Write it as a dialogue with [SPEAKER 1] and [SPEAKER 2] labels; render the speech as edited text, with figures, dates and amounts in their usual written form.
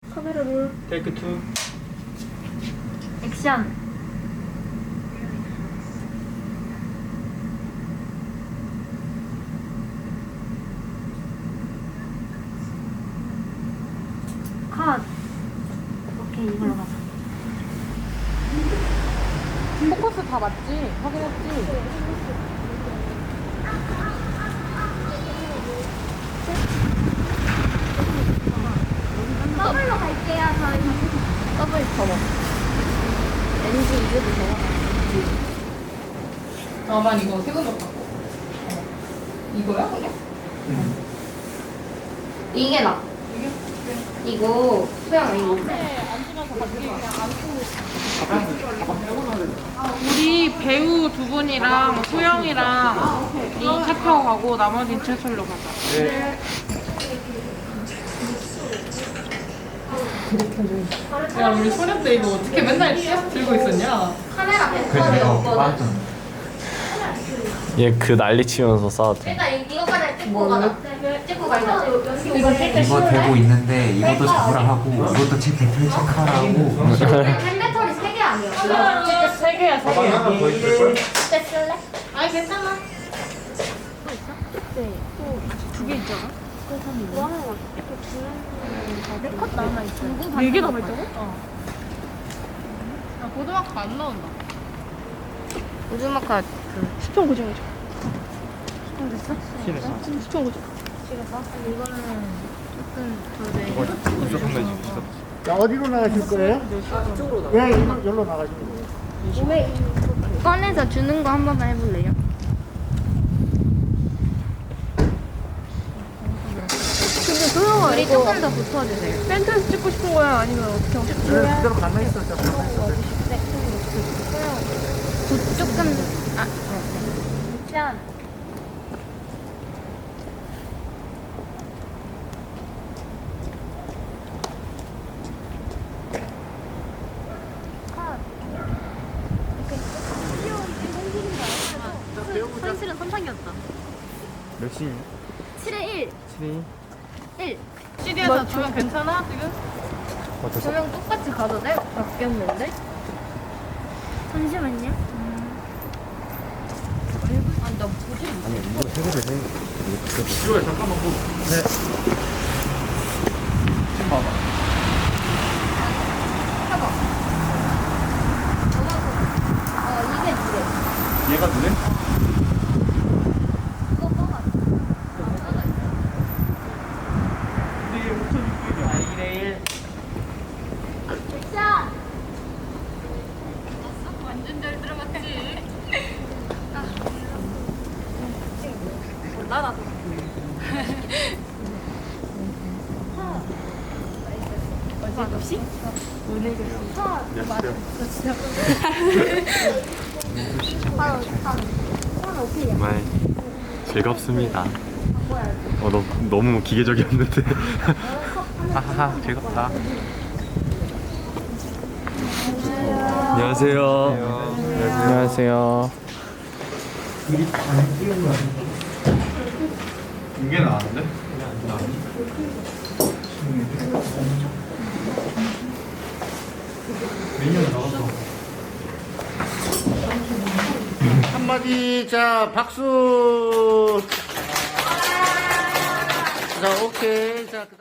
[SPEAKER 1] 카메라 롤.
[SPEAKER 2] 테이크 2.
[SPEAKER 1] 액션. 컷. 오케이, 이걸로 가자.
[SPEAKER 3] 포커스 다 맞지? 확인했지?
[SPEAKER 1] 더블로 갈게요, 저희.
[SPEAKER 3] 더블 접어. NG 이제도 접어. 난 이거 세금 좀 받고. 이거야?
[SPEAKER 1] 이게 나. 이거 수영 이거.
[SPEAKER 3] 앉으면서 같이 그냥 앉고. 우리 배우 두 분이랑 소영이랑 이 차 타고 가고 나머지는 지하철로 가자.
[SPEAKER 2] 네.
[SPEAKER 3] 야, 우리 소년 때 이거 어떻게 맨날 계속 들고 있었냐?
[SPEAKER 1] 카메라 뱃선이 없거든.
[SPEAKER 2] 얘 그 난리 치면서 싸웠대.
[SPEAKER 1] 일단 이거까지 찍고 가자. 찍고 가자.
[SPEAKER 4] 이거 되고 있는데 이것도 잡으라 하고 이것도 대표 체크하라고.
[SPEAKER 1] 펜배터리 3개 아니었어?
[SPEAKER 3] 진짜 세 개야, 세 개.
[SPEAKER 2] 하나 더 있을걸?
[SPEAKER 1] 그때 쓸래?
[SPEAKER 3] 아니, 괜찮아.
[SPEAKER 1] 두개 있잖아. 뭐 하나 내컷 남아있어.
[SPEAKER 3] 4개 남아있다고? 어. 야, 고등학교 안 나온다.
[SPEAKER 1] 우주마카
[SPEAKER 3] 수평 고정해줘.
[SPEAKER 1] 됐어?
[SPEAKER 2] 신했어.
[SPEAKER 3] 수평 고정.
[SPEAKER 1] 찍어서? 이거는 조금 더
[SPEAKER 2] 이거 무조건 내주고 있어.
[SPEAKER 5] 자, 어디로 나가실 거예요? 예, 여기로 나가시면 돼요.
[SPEAKER 1] 꺼내서 주는 거 한 번만 해볼래요? 근데 소영아 우리 조금 더 붙어주세요.
[SPEAKER 3] 펜트에서 찍고 싶은 거야? 아니면 어떻게 하고 싶어?
[SPEAKER 5] 네, 그대로 가만히 있었죠. 가만히 있었죠.
[SPEAKER 1] 조금 짠. 현실은 선상이었다.
[SPEAKER 2] 몇 시니?
[SPEAKER 1] 7에 1.
[SPEAKER 2] 7이?
[SPEAKER 1] 1.
[SPEAKER 3] CD에서 주면 괜찮아, 지금?
[SPEAKER 2] 어땠어?
[SPEAKER 1] 조명 똑같이 가도 돼? 바뀌었는데? 잠시만요.
[SPEAKER 2] 아니 이거 세 개를 해. 이거 잠깐만 뭐. 네. 지금 봐봐.
[SPEAKER 1] 이게 그래.
[SPEAKER 2] 얘가 누래?
[SPEAKER 1] 그거 뽑아.
[SPEAKER 2] 근데 이게 5,600이야. 2대 1.
[SPEAKER 1] 액션!
[SPEAKER 3] 완전 잘 들어갔지?
[SPEAKER 2] 정말 즐겁습니다. 너무 기계적이었는데. 하하하 즐겁다. 안녕하세요. 안녕하세요. 이게 나왔는데? 메뉴는 나왔어.
[SPEAKER 5] 한마디, 자, 박수. 자, 오케이. 자,